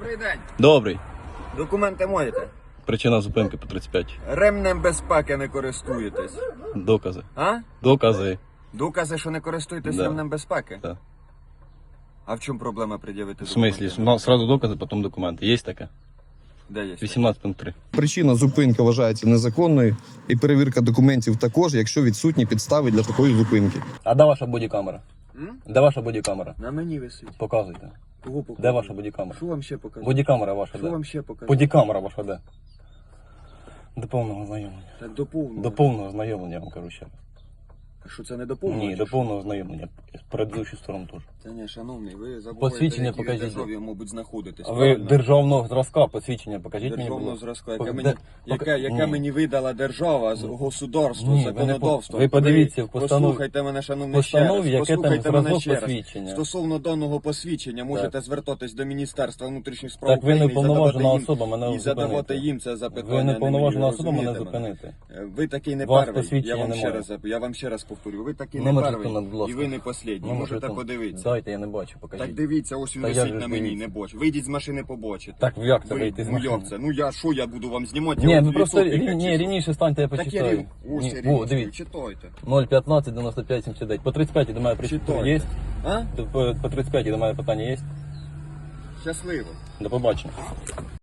Добрий день. Добрий. Документи маєте? Причина зупинки по 35. Ремнем безпеки не користуєтесь. Докази. А? Докази. Докази, що не користуєтесь Да. ремнем безпеки? Так. А в чому проблема пред'явити В смислі? документи? У нас сразу докази, потім документи. Є таке? Де є? 18.3. Причина зупинки вважається незаконною, і перевірка документів також, якщо відсутні підстави для такої зупинки. А де ваша бодікамера? М? Де ваша бодікамера? На мені висить. Показуйте. Кого показати? Де ваша бодікамера? Що вам ще показати? Бодікамера ваша Що де? вам ще показати? Бодікамера ваша де? До повного знайомлення. Так до повного. До повного знайомлення, я вам кажу ще раз. А що це не до повного? Ні, чи до що? повного знайомлення. Предыдущу сторону теж. Та ні, шановний, ви забуваєте, Посвідчення які ви покажіть. державі, мабуть, знаходитесь. А ви правильно? державного зразка посвідчення покажіть мені, будь Державного ласка. зразка, яке Де- мені, пока- яке Ні. мені видала держава, государство, Ні, ви не законодавство. ви подивіться в постанові- Послухайте мене, шановний, ще постанові, раз. яке там Послухайте мене зразок ще раз. посвідчення. Стосовно даного посвідчення можете звертатись до Міністерства внутрішніх справ Так ви не України і повноважена задавати особа, їм, мене і задавати зупинити. їм це запитання. Ви не не повноважена мені, особа, мене розумієте зупинити. Ви такий не Вас перший, посвідчення немає. я вам ще раз повторю, ви такий не Номер перший, жетона, будь ласка. і ви не послідній, Номер можете жетона. подивитися. Дайте, я не бачу, покажіть. Так дивіться, ось він Та як висить же на ж мені, дивіться? не боч. Вийдіть з машини, побачите. Так як це вийти з Ну машини? як це? Ну я що, я буду вам знімати? Ні, Я ви от просто лісопіка чи що? рівніше станьте, я Так я почитаю. рівно. Ось Ні, я о, рівно. дивіться. Читайте. 0,15, 95, 79. По 35 до мене причина Читайте. є? А? По 35 до мене питання є? Щасливо. До побачення.